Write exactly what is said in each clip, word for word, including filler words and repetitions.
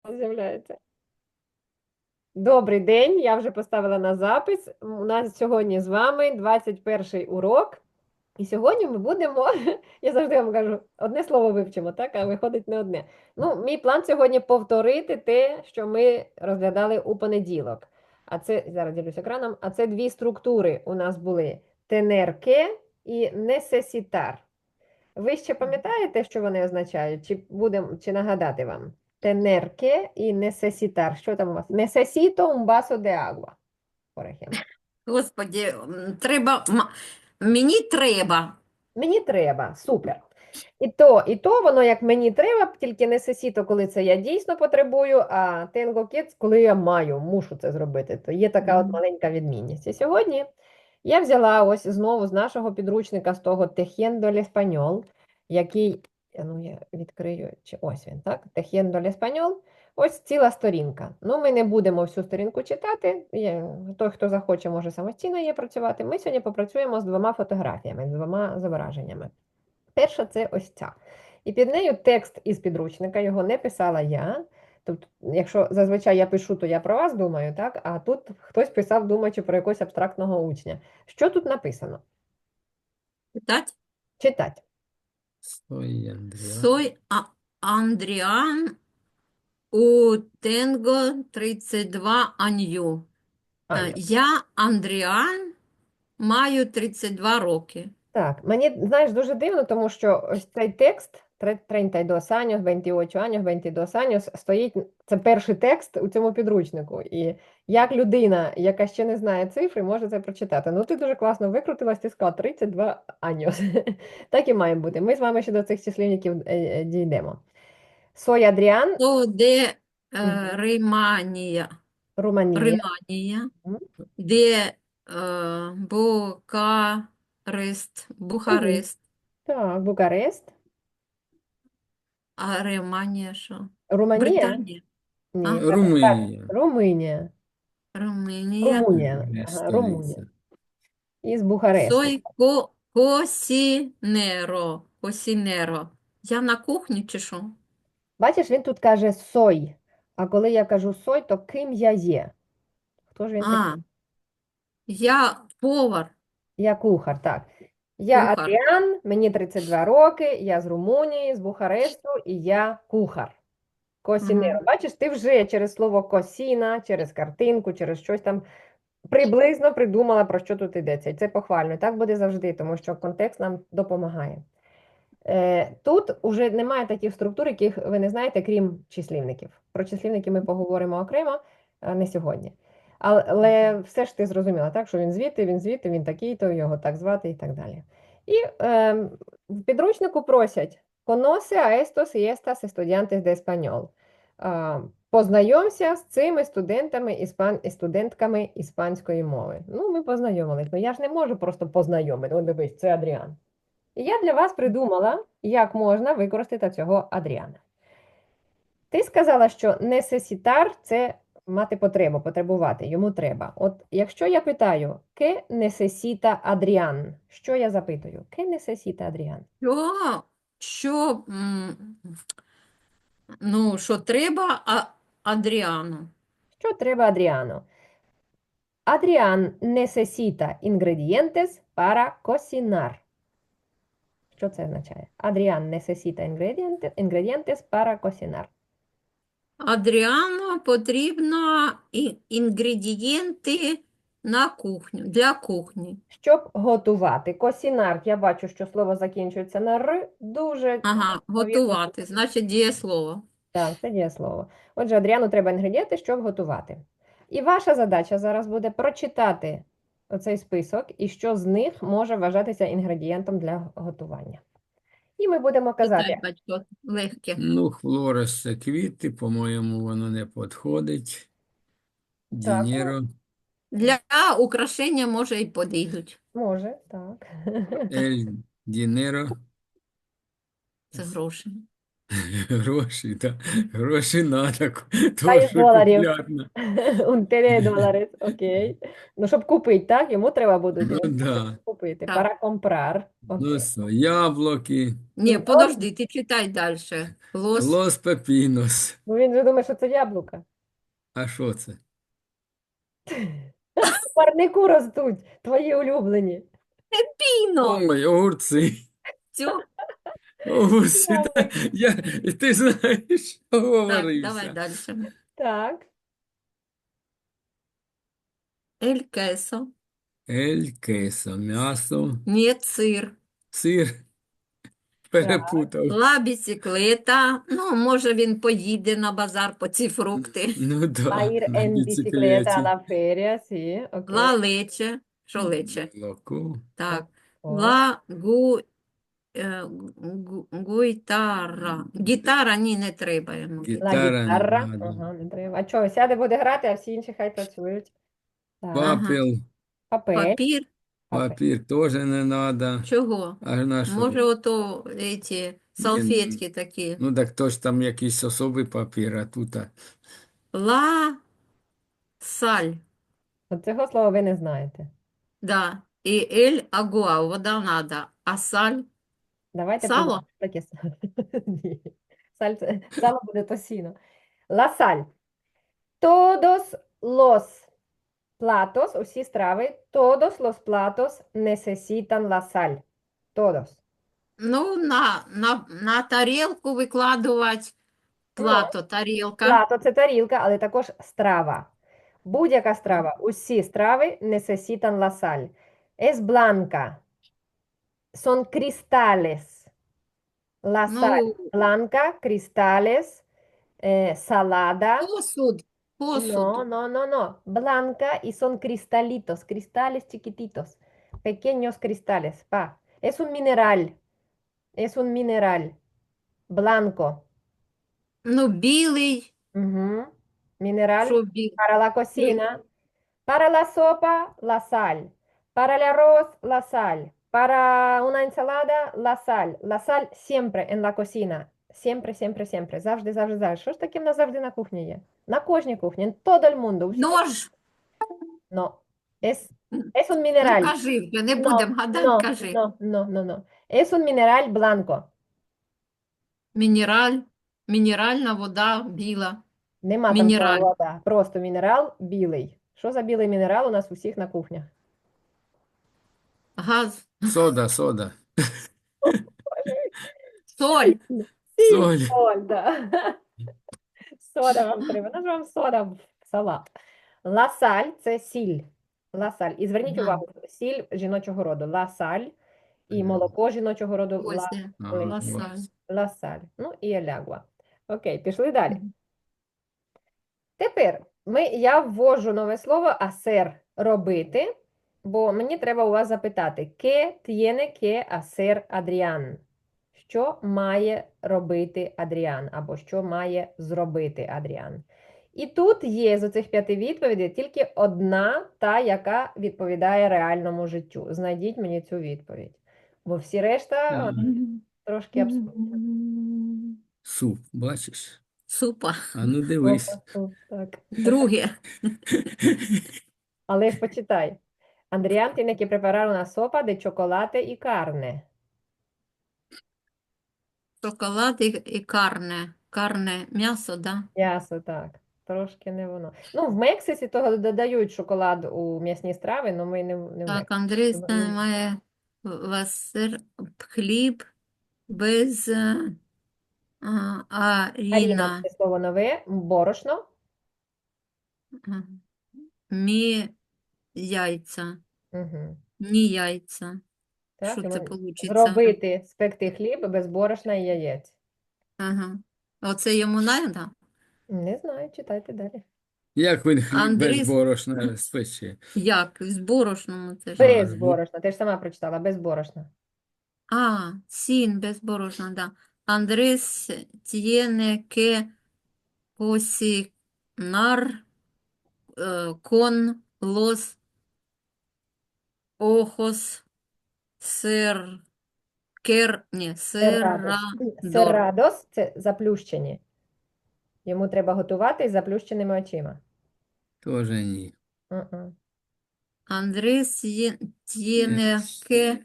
З'являється. Добрий день, я вже поставила на запис. У нас сьогодні з вами двадцять перший урок. І сьогодні ми будемо, я завжди вам кажу, одне слово вивчимо, так? А виходить не одне. Ну, мій план сьогодні повторити те, що ми розглядали у понеділок. А це, зараз ділюсь екраном, а це дві структури у нас були: тенерке і несесітар. Ви ще пам'ятаєте, що вони означають? Чи будем, чи нагадати вам? Tener que і necesitar. Що там у вас? Necesito un vaso de agua, por ejemplo. Господі, м, треба, м- мені треба. Мені треба, супер. І то, і то воно як мені треба, тільки necesito, коли це я дійсно потребую, а tengo que, коли я маю, мушу це зробити. То є така от Мгм. маленька відмінність. І сьогодні я взяла ось знову з нашого підручника, з того Tejiendo el Español, який, е, ну я відкрию, чи ось він, так? Tejiendo el Español, ось ціла сторінка. Ну, ми не будемо всю сторінку читати. Є, той, хто захоче, може самостійно її працювати. Ми сьогодні попрацюємо з двома фотографіями, з двома зображеннями. Перша це ось ця. І під нею текст із підручника, його не писала я. Тобто, якщо зазвичай я пишу, то я про вас думаю, так? А тут хтось писав, думаючи про якогось абстрактного учня. Що тут написано? Читать? Читать. Soy Andrea. Сой А- Андріан у Тенго тридцять два Анью. Е, Аню. Я Андріан, маю тридцять два роки. Так, мені, знаєш, дуже дивно, тому що ось цей текст тридцять dos años, veintiocho años, veintidós años стоїть, це перший текст у цьому підручнику. І як людина, яка ще не знає цифри, може це прочитати. Ну, ти дуже класно викрутилась, ти сказала тридцять два años. Так і має бути. Ми з вами ще до цих числівників е, е, дійдемо. Сой Адріан, То де е, Мгм. Риманія? Руманія. Риманія, Мгм. де е, Букарест, Мгм. Бухарест, Так, Букарест. а Риманія що? Руманія? Британія. А? Ні, так, так, Румунія. Румунія. Румунія. Румунія. Не Ага, Румунія. столиця. Із Бухаресту. Сой ко косінеро. Косінеро. Я на кухні чи що? Бачиш, він тут каже сой. А коли я кажу сой, то ким я є? Хто ж він такий? А, я повар, Я кухар, так. Я кухар. Адріан, мені тридцять два роки, я з Румунії, з Бухаресту, і я кухар. Косінеро. Угу. Бачиш, ти вже через слово косіна, через картинку, через щось там приблизно придумала, про що тут йдеться. І це похвально. І так буде завжди, тому що контекст нам допомагає. Е, Тут вже немає таких структур, яких ви не знаєте, крім числівників. Про числівники ми поговоримо окремо, а не сьогодні. Але все ж ти зрозуміла, так, що він звідти, він звідти, він такий, то його так звати і так далі. І е, в підручнику просять «Conoce a estos y estas estudiantes de español». А, Познайомся з цими студентами іспан... і студентками іспанської мови. Ну, ми познайомились. Ну, я ж не можу просто познайомити. О, дивись, це Адріан. І я для вас придумала, як можна використати цього Адріана. Ти сказала, що necesitar – це мати потребу, потребувати, йому треба. От якщо я питаю, «Ке necesita Адріан?» Що я запитую? «Ке necesita Адріан?» Що, що, м, ну, що треба а, Адріану? Що треба Адріану? Адріан necesita ingredientes para cocinar. Що це означає? Адріан necesita ingredientes, ingredientes para cocinar. Адріану потрібно і- інгредієнти на кухню, для кухні. Щоб готувати. Косінар, я бачу, що слово закінчується на р, дуже Ага, відповідно. готувати, значить дієслово. Так, це дієслово. Отже, Адріану треба інгредієнти, щоб готувати. І ваша задача зараз буде прочитати оцей список і що з них може вважатися інгредієнтом для готування. І ми будемо казати, Читай, батько, легке. Ну, хлорес це квіти, по-моєму, воно не підходить. так, ну, Дінєро, Для украшення, може, і підійдуть. може, так. ель дінеро, Це гроші. Гроші, так. Гроші надо, Та то із що доларів. куплятно. Un теле доларів, окей. Ну, щоб купити, так? Йому треба будуть. Ну, Він хоче да. купити. Так. Para comprar. Ну, Окей. що, яблуки, Ні, Ну, подожди, ти читай далі. Лос лос пепінос. Ну, він же думає, що це яблука. А що це? В парнику ростуть, твої улюблені. піно. Ой, огурці. Все. Огурці, та, Яблуки. я, ти знаєш, Так, давай оговорився. далі. Так. Ель кесо. Ель, queso, м'ясо, Ні, сир. сир, перепутав. Ла біциклета. Ну, може, він поїде на базар по ці фрукти. Ну Va a да, ir на en bicicleta a біциклеті. la feria, sí, ok. Ла лече. Що лече? Молоко, Так. О, Ла гу, е, гу, гуйтара. Гітара, ні, не треба йому. La гітара не guitarra. надо. Ага, не треба. А що, сяде, буде грати, а всі інші хай працюють. Так. Ага. Папір, Папель. Папір. Папель. папір теж не надо. Чого? А на що? Може, ото ці салфетки такі. Ну так то ж там якийсь особий папір, а тут а, Ла саль. От цього слова ви не знаєте. Да. І ель агуа, вода надо. А саль? Давайте Сало? подумаємо, що таке сало. Ні. Саль це- Сало буде тосіно. La sal. Todos los platos, усі страви, todos los platos necesitan la sal. Todos. Ну, на, на, на тарілку викладувати плато, тарілка. Плато це тарілка, але також страва. Будь-яка страва. Усі страви necesitan la sal. Es blanca. Son cristales. La sal Ну, blanca, cristales, eh, salada. посуд, посуд. No, no, no, no. Blanca y son cristalitos, cristales chiquititos, pequeños cristales. Pa. Es un mineral. Es un mineral. Blanco. Ну, білий, Ujú. Mineral що білий? para la cocina. Para la sopa, la sal. Para el arroz, la sal. Para una ensalada, la sal. La sal siempre en la cocina. Siempre, siempre, siempre. Завжди, завжди, завжди. Що ж таке в нас завжди на кухні є? На кожній кухні. En todo el mundo. у всьому. Нож. No. Es, es un Ну, mineral. кажи вже, не No, будемо гадати, no, кажи. no, no, no, no. Es un mineral blanco. Мінераль, мінеральна вода біла. Нема там слова Мінераль. вода. Просто мінерал білий. Що за білий мінерал у нас у всіх на кухнях? Газ, сода, сода, соль. соль. Соль, да. Сода вам треба. Ну ж вам сода в салат. Ласаль це сіль. Ласаль. І зверніть Ага. увагу, сіль жіночого роду. Ласаль і молоко жіночого роду. Ось Ла, де. Ага, Ласаль. ось. ласаль. Ну і елягуа. Окей, пішли далі. Мгм. Тепер ми, я ввожу нове слово асер робити, бо мені треба у вас запитати, «Qué tiene que hacer Adrián?» Що має робити Адріан, або що має зробити Адріан. І тут є з оцих п'яти відповідей тільки одна, та, яка відповідає реальному життю. Знайдіть мені цю відповідь. Бо всі решта от, трошки абсурдні. Суп, бачиш? Супа. А ну дивись. Опа, так. Друге. Але ж почитай. Андріан tiene que preparar una sopa de chocolate y carne. Шоколад і, і карне. Карне, м'ясо, да? М'ясо, так. Трошки не воно. Ну, в Мексиці того додають шоколад у м'ясні страви, але ми не, в- не в Так, Мексиці. Андрій Ми- має васир, хліб без е, а, Аріна, аріна. це слово нове, борошно. А, Мі яйця. Угу. Ні яйця. Так, Що і це ми- получиться? Зробити, спекти хліб без борошна і яєць. Ага. Оце йому надо? Не знаю, читайте далі. Як він хліб Андрій- без борошна спече? Як? З борошном це ж. Без з бо- борошна, ти ж сама прочитала, без борошна. А, сін без борошна, да. Андрес tiene que cocinar eh, con los ojos cerquita. кер, ні, Cerrados. серадор. Cerrados – це заплющені. Йому треба готувати з заплющеними очима. Теж ні. Мгм. Андрес tiene que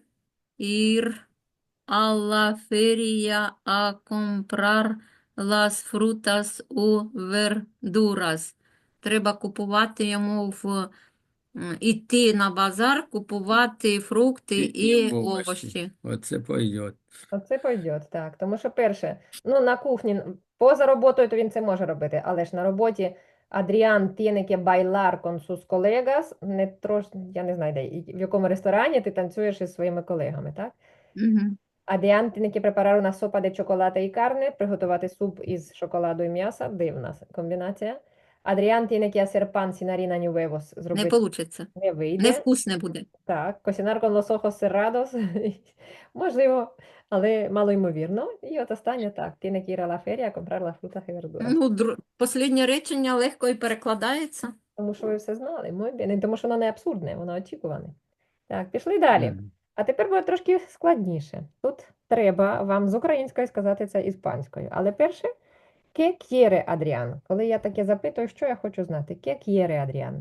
ir a la feria a comprar las frutas u verduras. Треба купувати йому в м, іти на базар, купувати фрукти і овочі. Оце пойдет. Оце пойдет, так. Тому що перше, ну на кухні, н- поза роботою, то він це може робити, але ж на роботі Адріан tiene que bailar con sus colegas, не трош, я не знаю, де, і в якому ресторані ти танцюєш із своїми колегами, так? Мгм. Adrián tiene que preparar una sopa de chocolate y carne, приготувати суп із шоколаду і м'яса, дивна с- комбінація. Adrián tiene que hacer pan sin harina ni huevos, Не зробити получиться. не вийде. Невкусне буде. Так, cocinar con los ojos cerrados, можливо, але малоймовірно. І от останнє так, tiene que ir a la feria a comprar las frutas y verduras. Ну, дру... Посліднє речення легко і перекладається. Тому що ви все знали, muy bien. І тому що воно не абсурдне, воно очікуване. Так, пішли далі. Мгм. А тепер буде трошки складніше. Тут треба вам з української сказати це іспанською. Але перше, ¿qué quiere Adrián? Коли я таке запитую, що я хочу знати? ¿Qué quiere Adrián?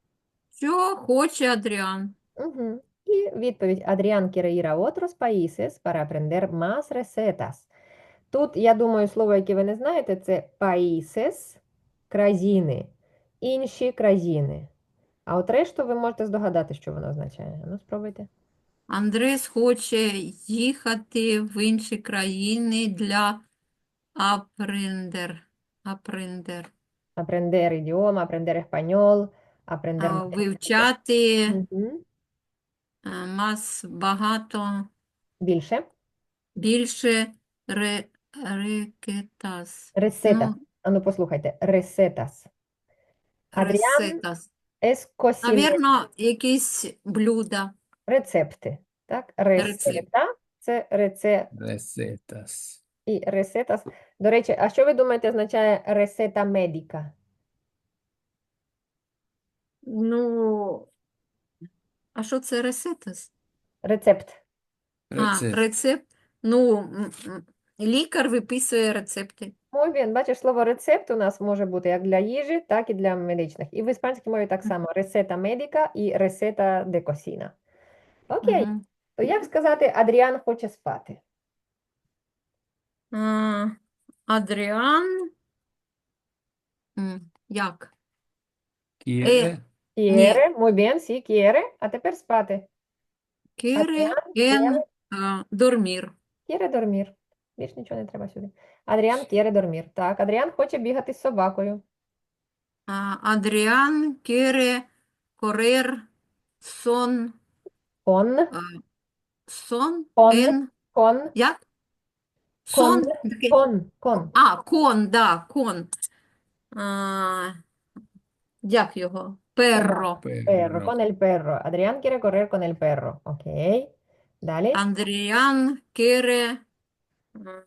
Що хоче Адріан? Угу. І відповідь Adrián quiere ir a otros países para aprender más recetas. Тут, я думаю, слово, яке ви не знаєте, це países, країни, інші країни. А от решту ви можете здогадати, що воно означає. Ну, спробуйте. Андрес хоче їхати в інші країни для апрендер. Апрендер. Aprender idioma, aprender español, aprender А, más. Вивчати Мгм. е, мас багато, Більше. більше ре, рекетас. Ресетас. Ну, А ну послухайте. Ресетас. Адріан ресетас. es cocinero. Навірно, якісь блюда. Рецепти. Так? Рецепт. Ресета – це реце Ресетас. і ресетас. До речі, а що ви думаєте означає ресета медика? Ну, а що це ресетас? Рецепт. А, Рецепт. рецепт. Ну, м, м, лікар виписує рецепти. Muy bien. Бачиш, слово рецепт у нас може бути як для їжі, так і для медичних. І в іспанській мові так само. Ресета медика і ресета де косіна. Окей. Мгм. То як сказати, Адріан хоче спати? А, Адріан. М, Як? Кіре. Quiere, muy bien, sí, quiere. А тепер спати. Кире Адріан ен а, дормір. quiere dormir. Більш нічого не треба сюди. Адріан quiere dormir. Так, Адріан хоче бігати з собакою. А, Адріан кире корер сон. Con, а, Сон con, ен. con, Як? con, Сон? Такий- con, con. А, кон, да, кон. А, як його? Перро. Perro, Перро. con el perro. Адріан quiere correr con el perro. Окей. Далі. Андріан кире м,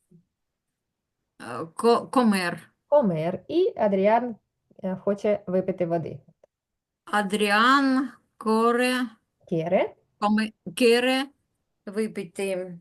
а, ко- комер. Comer. І Адріан е, хоче випити води. Адріан коре Quiere. коме, кире випити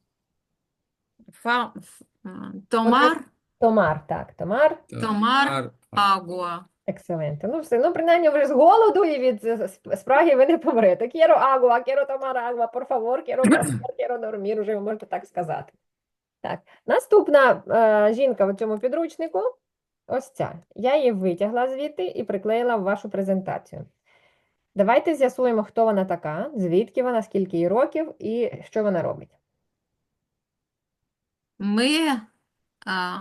фа, ф- а, томар, Tomar, так, tomar. томар агуа. Екселенте. Ну все, ну принаймні вже з голоду і від е, сп- спраги ви не помрете. Quiero agua, quiero tomar agua, por favor, quiero comer, quiero dormir, уже ви можете так сказати. Так, наступна е, жінка в цьому підручнику, ось ця. Я її витягла звідти і приклеїла в вашу презентацію. Давайте з'ясуємо, хто вона така, звідки вона, скільки їй років і що вона робить. Ми а,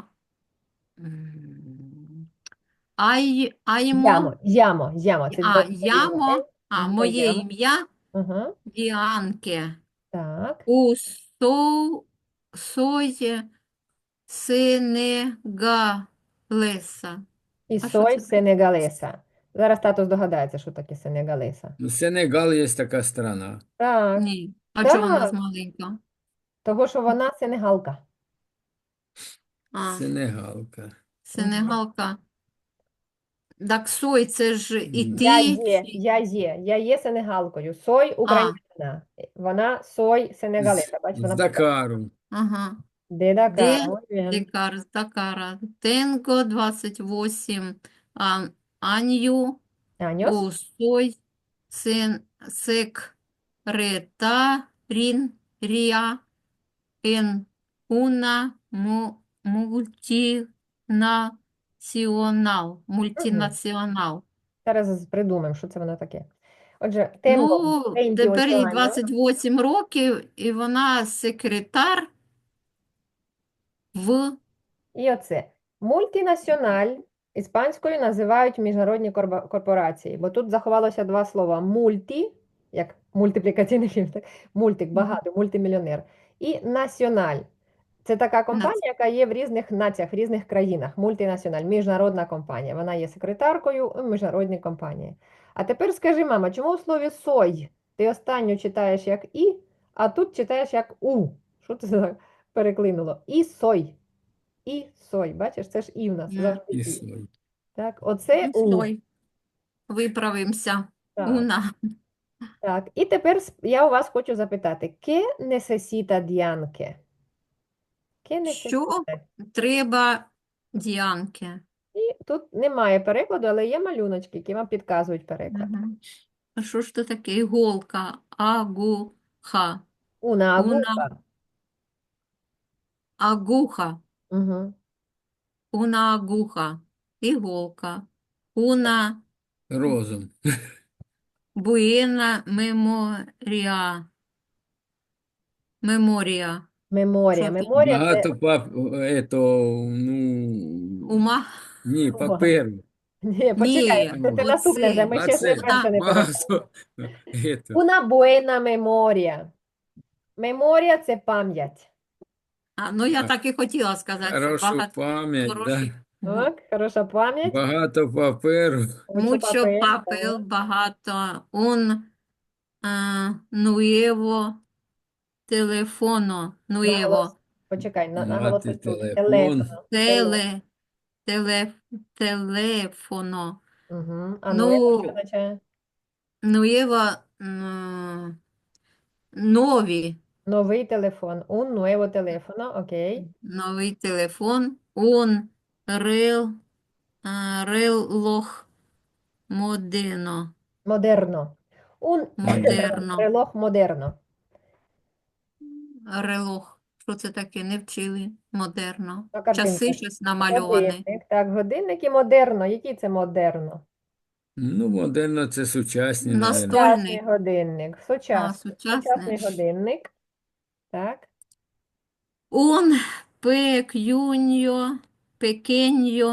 м, ай, аймо, Ямо, ямо, ямо. Це а, довге ямо, ім'я. а, Ім'я моє Ямо. ім'я Угу. Діанке. Так. У со, сої сенегалеса. І А що сой це таке? сенегалеса. Зараз тато здогадається, що таке сенегалеса. Ну, Сенегал є така страна. Так, Ні. А чого вона так, маленька? того, що вона сенегалка. А, Сенегалка. Сенегалка. Так сой, це ж і М. Я ти. є, я є, я є сенегалкою. Сой А, українська. Вона сой З, сенегалеса. Бач, з вона Дакару. ага. де Де Дакар. Muy bien. Декар з Дакара? Tengo двадцать восемь а, años. Años. O soy sen- secretaria en una mu- multinacional. Мгм. Multinacional. Зараз придумаємо, що це воно таке. Отже, tengo Ну, тепер veintiocho їй años. двадцять вісім років, і вона секретар в І оце. Мультінаціональ іспанською називають міжнародні корба- корпорації, бо тут заховалося два слова: мульті, як мультиплікаційний фільм, так? Мультик, багато, мультимільйонер. І національ. Це така компанія, нац- яка є в різних націях, в різних країнах. Мультінаціональ, міжнародна компанія. Вона є секретаркою у міжнародній компанії. А тепер скажи, мама, чому у слові сой ти останню читаєш як і, а тут читаєш як у? Що це за переклинуло? І сой. І сой. Бачиш, це ж і в нас М, завжди І і. сой. Так, оце ну, у. стой. Виправимося. Так, Уна. так. І тепер сп- я у вас хочу запитати: ¿Qué necesita Dianke? ¿Qué Що necesita? треба Діанки? І тут немає перекладу, але є малюночки, які вам підказують переклад. Мгм. А що ж це таке? Іголка, агуха, Una уна, aguja. агуха, Угу. уна агуха, іголка, уна Розум. буена меморія, меморія. Меморія. Що ти? Меморія це Багато пап, ето, ну, Ума? ні, увага. паперу. Ні, почекай, Ні, це, це наступне вже. оце. Ми А ще не це перше Оста. не перейшли. багато. Ето, Una buena memoria. Меморія це пам'ять. А, ну я а, так і хотіла сказати. хорошу Багато пам'ять, да. хороших. бу- Так, хороша пам'ять. Багато паперу. Mucho Mucho papel. papel, Так. багато. Un ah, nuevo teléfono, Наголос. nuevo. Почекай, на, Мати наголосить тут. телефон. Телефоно. Теле. Теле, теле, телефоно. Угу. А nuevo що Ну, означає? nuevo, м, нові. Новий телефон. Un nuevo teléfono. Окей. Новий телефон. Un рел, а, reloj moderno. Модерно. Un Модерно. reloj модерно. Релох. Що це таке? Не вчили. Модерно. На картинці. Часи щось намальовані. Годинник. Так, годинник і модерно. Який це модерно? Ну, модерно це сучасні, мабуть. Настольний. Сучасний годинник. А, Сучасний. сучасний. Сучасний годинник. Так. Un pequeño, pequeño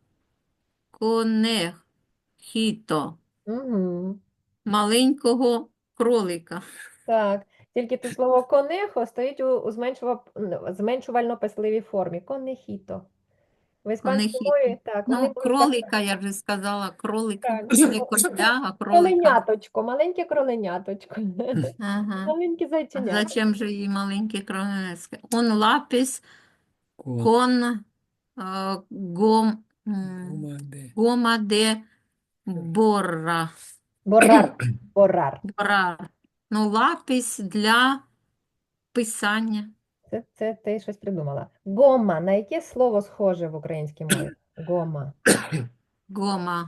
conejito. Угу. Маленького кролика. Так. Тільки тут слово конехо стоїть у, у зменшува- зменшувально-писливій формі. Конехіто. В іспанській Конехіто. мові, так, вони Ну, будуть так кролика, я вже сказала, кролика. Так. Не короля, а кролика. Кроленяточко, маленьке кроленяточко. Ага. Маленьке А зайченя. зачем же їй маленький кролик? Un lápiz Кот. con а, гом, м, Команди. гома де борра. Боррар. Боррар. Борар. Ну, лапіс для писання. Це, це ти щось придумала. Гома. На яке слово схоже в українській мові? Гома. Гома.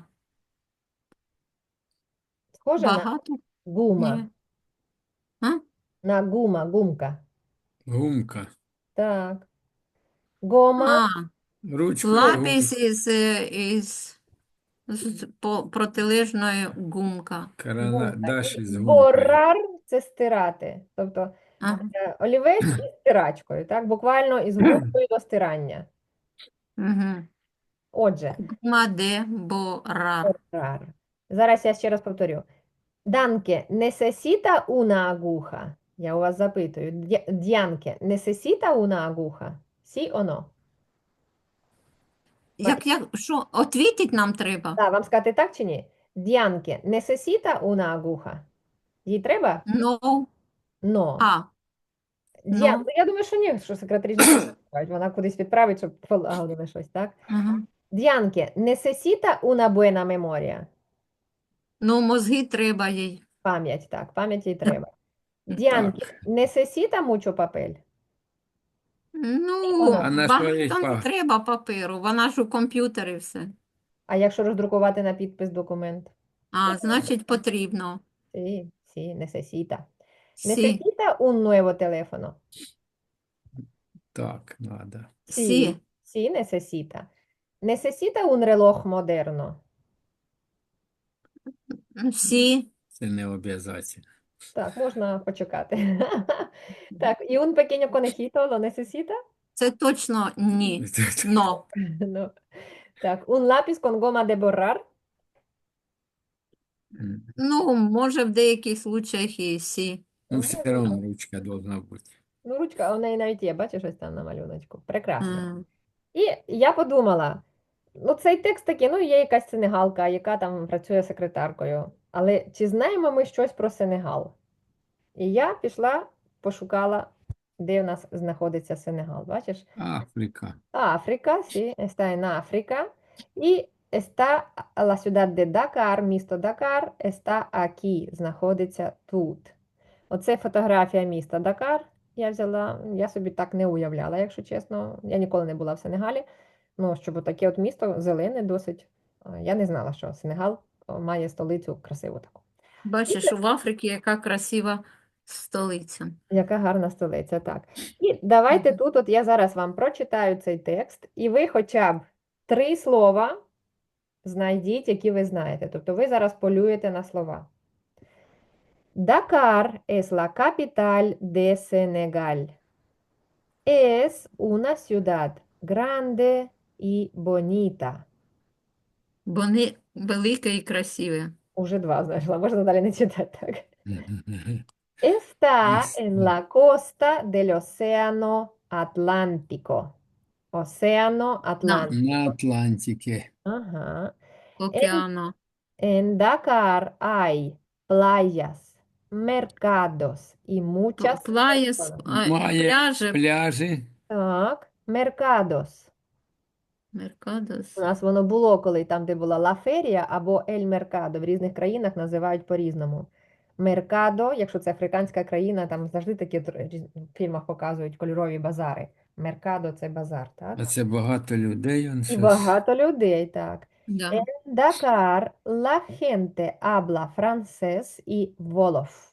Схоже на Багато? гума. Ні. А? На гума, гумка. Гумка. Так. Гома. А, Ручка. лапіс Гумка. із, із, з по- протилежної гумка. Карандаш із гумкою. Боррар це стирати. Тобто Ага. е, олівець із стирачкою. Так? Буквально із гумкою до стирання. Угу. Отже, Гома де борар. боррар. Зараз я ще раз повторю. Данке, necesita una aguja? Я у вас запитую. Дя- Дянке, necesita una aguja? Сі о но? Як, як, що, отвітить нам треба? Так, вам сказати так чи ні? Дянке, necesita una aguja? Їй треба? No. Но. А, Дян, ну. ну, я думаю, що ні, що секретарі ж не пускають. Вона кудись відправить, щоб полагодили щось, так? Угу. Діанке, necesita una buena memoria. Ну, мозги треба їй. Пам'ять, так, пам'ять їй треба. Діанке, Так. necesita mucho papel. Ну, Воно. А на що їй багато не па- треба паперу, вона ж у комп'ютері все. А якщо роздрукувати на підпис документ? А, значить, потрібно. Sí, sí, necesita. Сі, Necesita un nuevo teléfono. Так, надо. сі, Sí, sí, necesita. Necesita un reloj moderno. сі, Це не обов'язково. Так, можна почекати. Так, y un pequeño conejito lo necesita? це точно ні. Но. No. Так, un lápiz con goma de borrar. Ну, може, в деяких случаях і сі. Ну, все одно ручка должна бути. Ну, ручка, а в неї навіть є, бачиш, ось там на малюночку. Прекрасно. М, І я подумала, ну цей текст такий, ну є якась сенегалка, яка там працює секретаркою. Але чи знаємо ми щось про Сенегал? І я пішла, пошукала, де в нас знаходиться Сенегал. Бачиш? Африка. Африка, sí, está en África. Y está la ciudad de Dakar, місто Дакар, está aquí, знаходиться тут. Оце фотографія міста Дакар. Я взяла, я собі так не уявляла, якщо чесно. Я ніколи не була в Сенегалі. Ну, щоб таке от місто зелене досить. А, Я не знала, що Сенегал о, має столицю красиву таку. Бачиш, в Африці яка красива столиця. Яка гарна столиця, так. І давайте Мгм. тут, от я зараз вам прочитаю цей текст, і ви хоча б три слова знайдіть, які ви знаєте. Тобто ви зараз полюєте на слова. Dakar es la capital de Senegal. Es una ciudad grande y bonita. Вони велике і красиве. Уже два знайшла, можна далі не читати так. Está en la costa del Océano Atlántico. Océano На Atlántico. На Атлантике. Ajá. En, океану. en Dakar hay playas, mercados y muchas Плаєс, personas. а, Має пляжі, пляжі. Так, mercados. Меркадос. У нас воно було, коли там, де була La Feria або El Mercado. В різних країнах називають по-різному. Меркадо, якщо це африканська країна, там завжди такі тр- різ- в фільмах показують кольорові базари. Меркадо це базар, так? А це багато людей. Он І щось. багато людей, так. Да. En Dakar la gente habla francés y wolof.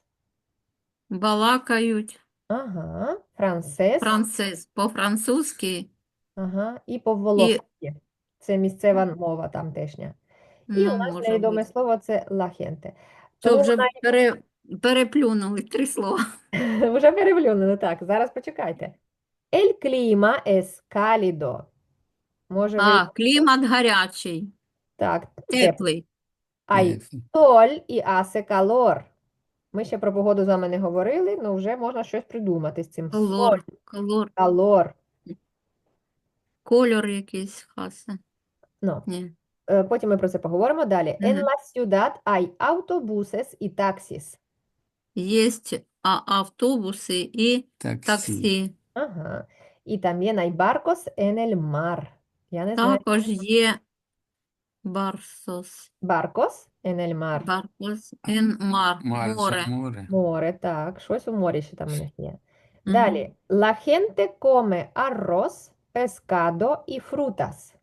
Балакають Ага, францез, францез по-французьки. ага, і по-волофськи. Це місцева мова тамтешня. І Ну, у нас може невідоме бути. слово це la gente. Що Тому вже пере, переплюнули три слова. вже переплюнули, так, зараз почекайте. El clima es cálido. Може ви, А, клімат гарячий, так, теплий. теплий. Hay sol y hace calor. Ми ще про погоду з вами не говорили, але вже можна щось придумати з цим. Соль, Колор, колор, calor. кольор якийсь хаса. Ну, Ні. е, потім ми про це поговоримо далі. En Мгм. la ciudad hay autobuses y taxis. Є а, автобуси і Таксі. таксі. Ага. Y también hay barcos en el mar. Я не знаю. Також є барсос. Barcos en el mar. Барсос ен мар. Море. Море. Море. Море, так, щось у морі ще там у них є. Мгм. Далі. La gente come arroz, pescado y frutas.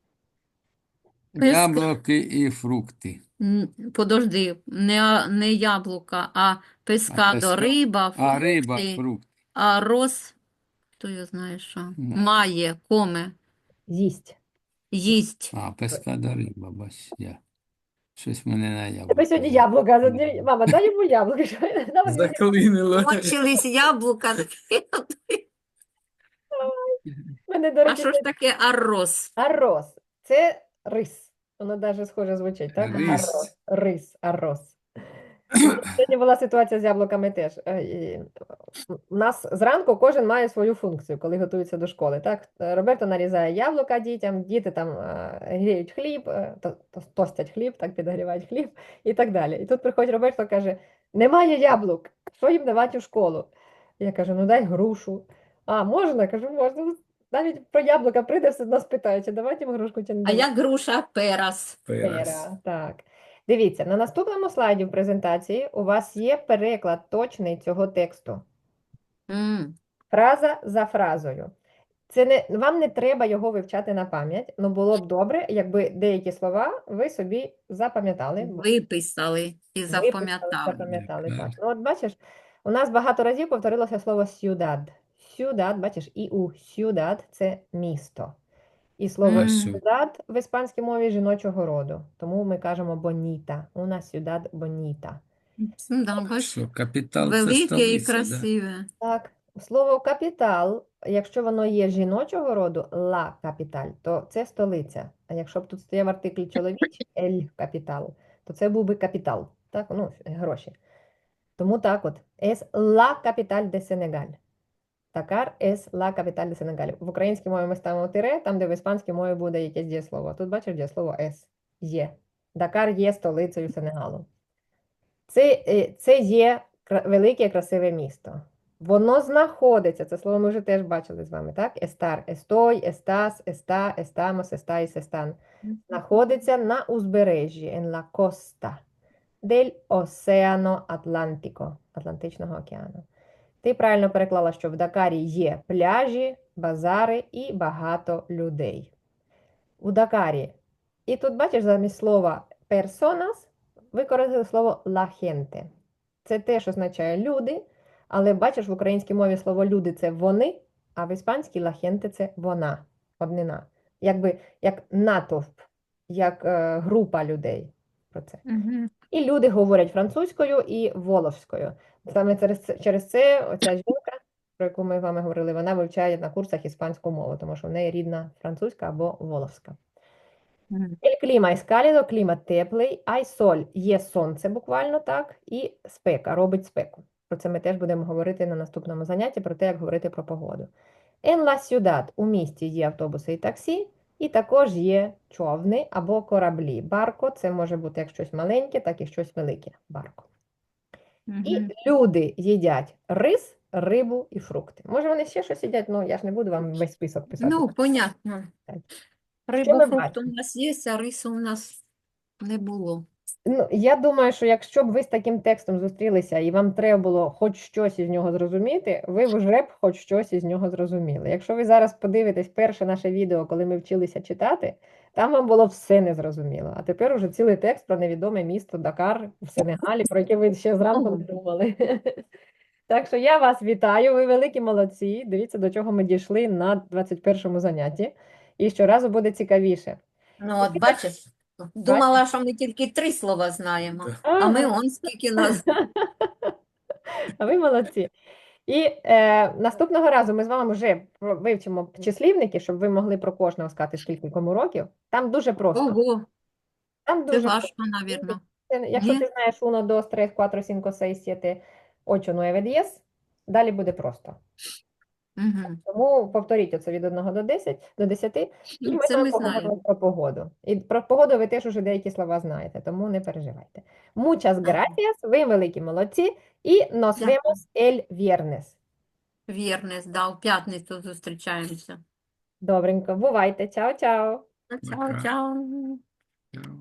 Песк- Яблуки і фрукти. Н- Подожди, не, не яблука, а пескадо, песка- риба, А риба, фрукти, фрукт. а роз, хто я знає що, Ну. має, коме, З'їсть. їсть. А, пескада риба, бач, я. Щось мене на Тебе яблуко. сьогодні яблука. задні- Мама, дай йому яблуко. Що я- дай мені Заклинило. Кончились яблука. мене, до А речі, що ж таке арроз? арроз. Це рис. Воно навіть схоже звучить, так? Рис. Арроз. Рис, арроз. Сьогодні була ситуація з яблуками теж. Е, і У нас зранку кожен має свою функцію, коли готується до школи. Так? Е, Роберто нарізає яблука дітям, діти там е, гріють хліб, е, то- то- тостять хліб, так підогрівають хліб і так далі. І тут приходить Роберто, каже: немає яблук, що їм давати у школу? Я кажу, ну дай грушу. А, можна? Кажу, можна. Навіть про яблука прийде, все одно спитає, чи давати їм грушку, чи не А давати. як груша перас? Перес. Пера, так. Дивіться, на наступному слайді в презентації у вас є переклад точний цього тексту. М, Фраза за фразою. Це не, вам не треба його вивчати на пам'ять, але було б добре, якби деякі слова ви собі запам'ятали, бо Виписали і виписали, запам'ятали. запам'ятали. Так. Так. Ну, от бачиш, у нас багато разів повторилося слово «сюдад». «Сюдад», бачиш, і у «сюдад» – це місто. І слово М. Сю- «сюдад» в іспанській мові жіночого роду. Тому ми кажемо «боніта». «Una ciudad bonita». М, Да, бач, Що капітал це велике і столиця, да? красиве. Так, слово капітал, якщо воно є жіночого роду, ла капіталь, то це столиця. А якщо б тут стояв артикль чоловічий, ель капітал, то це був би капітал, так, ну, гроші. Тому так от, es la capital de Senegal. Dakar es la capital de Senegal. В українській мові ми ставимо тире, там, де в іспанській мові буде якесь дієслово. Тут бачиш дієслово es, є. Дакар є столицею Сенегалу. Це, е, це є кра- велике красиве місто. Воно знаходиться, це слово ми вже теж бачили з вами, так? Естар, естой, естас, еста, естамос, естаїс, естан. Знаходиться на узбережжі, en la costa del Océano Atlántico, Атлантичного океану. Ти правильно переклала, що в Дакарі є пляжі, базари і багато людей. У Дакарі. І тут, бачиш, замість слова personas використали слово la gente. Це теж означає люди, але бачиш, в українській мові слово люди це вони, а в іспанській la gente це вона, однина. Якби як натовп, як е, група людей. Про це. Мгм. І люди говорять французькою і воловською. Саме через це, через це оця жінка, про яку ми з вами говорили, вона вивчає на курсах іспанську мову, тому що в неї рідна французька або воловська. Мгм. El clima es cálido, клімат теплий, hay sol, є сонце буквально так, і спека, робить спеку. Про це ми теж будемо говорити на наступному занятті, про те, як говорити про погоду. En la ciudad, у місті є автобуси і таксі, і також є човни або кораблі. Барко – це може бути як щось маленьке, так і щось велике. Барко. І Мгм. люди їдять рис, рибу і фрукти. Може вони ще щось їдять, ну я ж не буду вам весь список писати. Ну, понятно. Так. Рибу, ми фрукти у бачимо? нас є, а рису у нас не було. Ну, я думаю, що якщо б ви з таким текстом зустрілися і вам треба було хоч щось із нього зрозуміти, ви вже б хоч щось із нього зрозуміли. Якщо ви зараз подивитесь перше наше відео, коли ми вчилися читати, там вам було все незрозуміло. А тепер уже цілий текст про невідоме місто Дакар в Сенегалі, про яке ви ще зранку не думали. Так що я вас вітаю, ви великі молодці. Дивіться, до чого ми дійшли на двадцять першому занятті. І щоразу буде цікавіше. Ну, от бачиш, думала, що ми тільки три слова знаємо, а ми Ага. он скільки нас. А ви молодці. І е, наступного разу ми з вами вже про- вивчимо числівники, щоб ви могли про кожного сказати, скільки кому років. Там дуже просто. Ого, Там це дуже важко, навірно. Це- Якщо Ні? ти знаєш uno, dos, tres, cuatro, cinco, seis, siete, ocho, nueve, diez, далі буде просто. Угу. Тому повторіть оце від одного до десяти, до десяти, і Ну, ми з це вами ми поговоримо знаємо. про погоду. І про погоду ви теж уже деякі слова знаєте, тому не переживайте. Muchas gracias, ви великі молодці, і nos Дякую. vemos el viernes. Вірне, да, у п'ятницю зустрічаємося. Добренько, бувайте, чао-чао. Чао, Пока. чао.